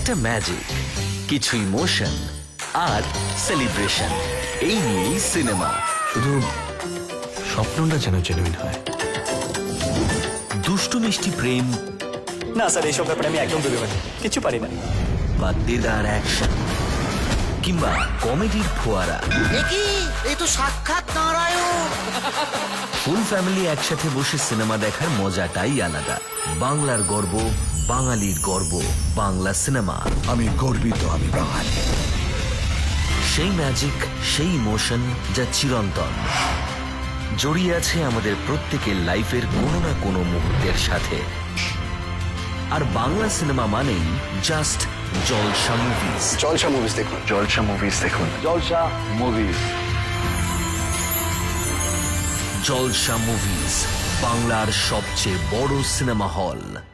একটা ম্যাজিক, কিছু ইমোশন আর সেলিব্রেশন, এই নিয়েই সিনেমা। শুধু স্বপ্নটা যেন জেনুইন হয়। দুষ্টু মিষ্টি প্রেম না স্যার, এইসব ব্যাপারে আমি একদম ডুবে পারি, কিছু পারি না। বা দেদার অ্যাকশন কিংবা কমেডির ফোয়ারা, এই তো সাক্ষাৎ নারায়ণ। ফুল ফ্যামিলি একসাথে বসে সিনেমা দেখার মজাটাই আলাদা। বাংলার গর্ব, বাঙালির গর্ব, বাংলা সিনেমা। আমি গর্বিত, আমি বাঙালি। সেই ম্যাজিক, সেই ইমোশন যা চিরন্তন, জড়িয়ে আছে আমাদের প্রত্যেকের লাইফের কোনো না কোনো মুহূর্তের সাথে। আর বাংলা সিনেমা মানেই just Jalsha movies. Jalsha movies দেখুন, জলসা মুভিজ দেখুন, জলসা মুভিজ। জলসা মুভিজ, বাংলার সবচেয়ে বড় সিনেমা হল।